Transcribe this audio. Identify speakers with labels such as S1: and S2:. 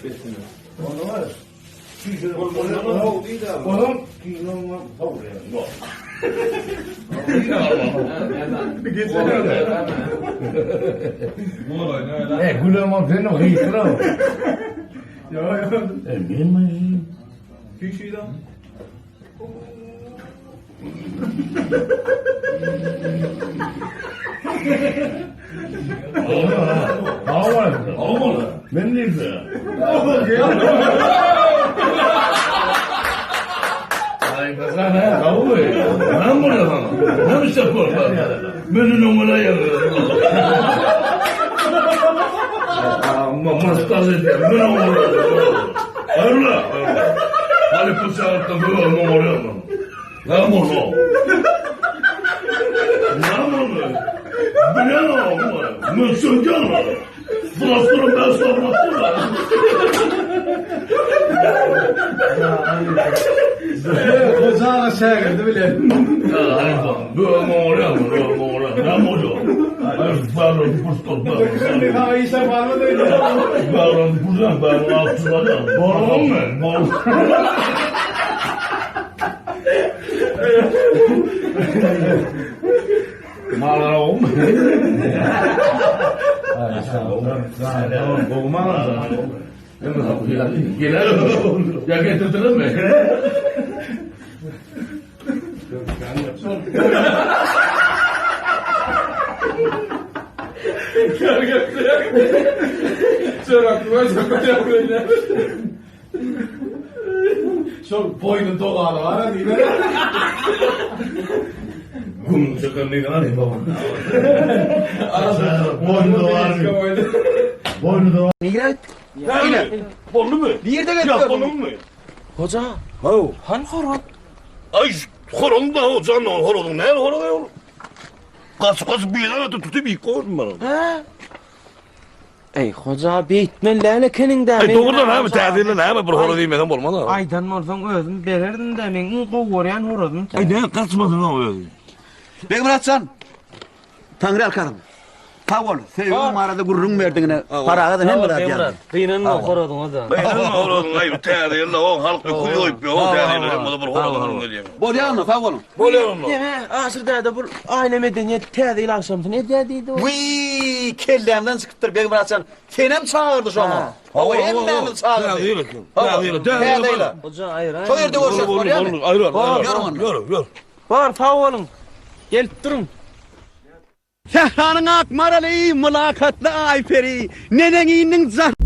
S1: Besine.
S2: Onu var.
S1: Oğlum, kinoma havlıyor. Bir geçelim. Bu olay ne öyle?
S2: Gülüyorum senin o hıyıkıra.
S1: Ya.
S2: Ben mi?
S1: Kişiydi.
S2: Ağlar. Ben de güzel. Ay kazana kavga ya. Ben burada sana. Ne işte korkar? Beni numara yapıyor. Ama maskas ediyor. Ben numara yapıyor. Hayrola? Hadi bu saatte böyle numara yapma. Ne bunu? Ne bunu? Biliyor musun? Mısır canım. Bıraktırım ben sormaktım da.
S1: Kozağın aşağı geldi bile.
S2: Böyle numara yapma. Böyle numara. Ne bunu? Bağırın pıstol.
S1: Şimdi daha iyi şey var mı değil mi?
S2: Bağırın buradan. Bağırın altına. Bağırın mı? Bağırın. Mağara olma. Gelelim. Ya getirdiniz mi?
S1: Aklıma çok yapıyor. Çok boynun dolanı var değil mi?
S2: Kum çıkınlığına ne baba? Boynu da var.
S3: Migrat.
S2: Bollu mu?
S3: Bir yerde
S2: Ya
S3: getiriyor.
S2: bollu mu?
S3: Hoca.
S2: Hav.
S3: Han horon.
S2: Ay horon da o can horon ne horon ya? Kas bir yana tutup bir koydum bana.
S3: Ha? Ey hoca bitmen lale kenin de.
S2: Ay doğrudan abi tadilin abi bir horon demeden olmaz abi.
S3: Aydan olsan özüm bererdin de men goworyan horodum.
S2: Ay ne kaçmadın o öyle.
S4: Bey Muratcan, Tanrı alkarım. Tavol, sevgim arada gurrun verdiğine parağa da hem Murat yani.
S3: Kıynan mı horodun hoca?
S2: Ben horon ay tadilin o halkı koyup bir o tadilin o da bir horon ne diyeyim.
S4: Bolyan mı tavolun?
S2: Bolyan mı?
S3: Yeme asırda da bu aile medeniyet tedil akşamsın ne dediydi o?
S4: Vii, kellemden çıkıptır Bey Muratcan. Kenem çağırdı şu an. O hemden çağırdı. Tadil.
S3: Hoca hayır hayır.
S4: Çok yerde görüşürüz Bolyan mı?
S2: Yürü.
S3: Var favolun. Gelip durun.
S4: Sehranın akmaralı, mülakatlı ayferi, nenenin zah...